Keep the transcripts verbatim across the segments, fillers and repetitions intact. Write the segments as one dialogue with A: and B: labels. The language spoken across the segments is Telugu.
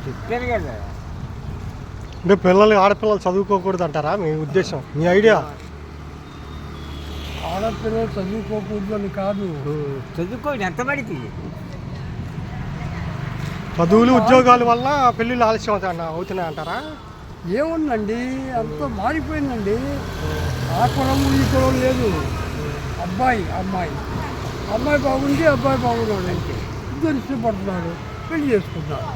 A: చెప్పాను కదా.
B: అంటే పిల్లలు ఆడపిల్లలు చదువుకోకూడదు అంటారా మీ ఉద్దేశం, మీ ఐడియా?
C: ఆడపిల్లలు చదువుకోకూడదు అని కాదు,
A: చదువుకోండి ఎంత పడితే.
B: చదువులు ఉద్యోగాల వల్ల పెళ్ళిళ్ళు ఆలస్యం అవుతాయి అవుతున్నాయి అంటారా?
C: ఏముందండి, అంతా మారిపోయిందండి. ఆ కులం ఈ కులం లేదు, అబ్బాయి అమ్మాయి, అమ్మాయి బాగుంది అబ్బాయి బాగున్నాడు, అంటే ఇద్దరు ఇష్టపడుతున్నారు, పెళ్లి చేసుకుంటున్నారు.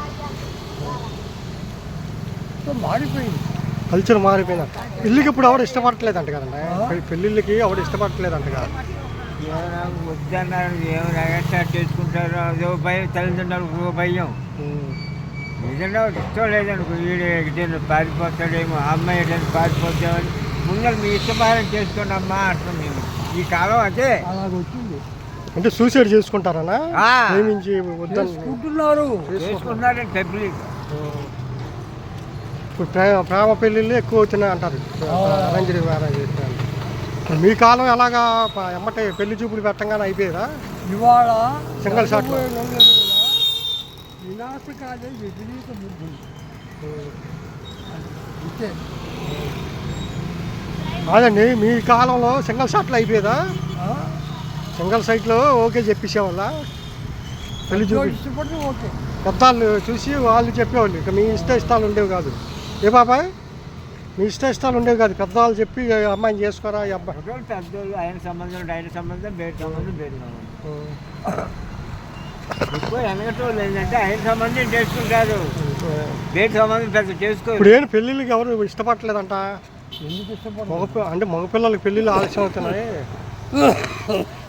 C: సో మారిపోయింది,
B: కల్చర్ మారిపోయింది. పెళ్ళికి ఇప్పుడు ఎవరు ఇష్టపడట్లేదంట కదండి, పెళ్ళిళ్ళకి ఎవరు ఇష్టపడట్లేదంట కదా.
A: ఏమైనా వద్దన్నారు, ఏమైనా స్టార్ట్ చేసుకుంటారు, అదో భయం, తల్లిదండ్రులకు భయం. ఏదైనా ఇష్టం లేదనుకో, వీడు పారిపోతాడేమో, అమ్మాయి ఏదైనా పారిపోతామని ముందర మీ ఇష్టపారం చేసుకోండి అమ్మా అంటాం మేము. ఈ కాలం అదే
C: అలాగ వచ్చింది.
B: అంటే సూసైడ్ చేసుకుంటారనా? ప్రేమించి వద్దని
C: చేసుకుంటున్నారు,
A: చేసుకుంటున్నారండి పబ్లిక్.
B: ఇప్పుడు ప్రేమ ప్రేమ పెళ్ళిళ్ళు ఎక్కువ అవుతున్నాయి అంటారు, అరేంజ్డ్ మ్యారేజ్ చేస్తున్నారు. మీ కాలం ఎలాగా ఎమ్మటే పెళ్లి చూపులు పెట్టంగానే అయిపోయేదా?
C: ఇవాళ
B: సింగల్ షాట్లో
C: వినాశకాలే విపరీత బుద్ధి అంతే.
B: కాదండి, మీ కాలంలో సింగల్ షాట్లో అయిపోయేదా?
C: ఆ?
B: సింగల్ సైట్లో ఓకే చెప్పేసేవాళ్ళ పెళ్లి చూపి?
C: ఇష్టపడితే ఓకే.
B: పెద్దవాళ్ళు చూసి వాళ్ళు చెప్పేవాళ్ళు, ఇక మీ ఇష్ట ఇష్టాలు ఉండేవి కాదు. ఏ బాబాయ్, మీ ఇష్ట ఇష్టాలు ఉండేవి కాదు, పెద్దవాళ్ళు చెప్పి అమ్మాయిని చేసుకోరా ఈ అబ్బాయి.
A: పెద్దోళ్ళు ఆయన సంబంధం ఆయన సంబంధం బయట సంబంధం బయట సంబంధం. ఎక్కువ వెనకటోళ్ళు ఏంటంటే ఆయన సంబంధం చేసుకుంటారు, బయట సంబంధం పెద్ద చేసుకో.
B: ఇప్పుడు ఏంటి పెళ్ళిళ్ళకి ఎవరు ఇష్టపడలేదంట?
C: ఎందుకు ఇష్టపడరు?
B: మగ అంటే మగపిల్లలకి పెళ్ళిళ్ళు ఆలస్యం అవుతున్నాయి.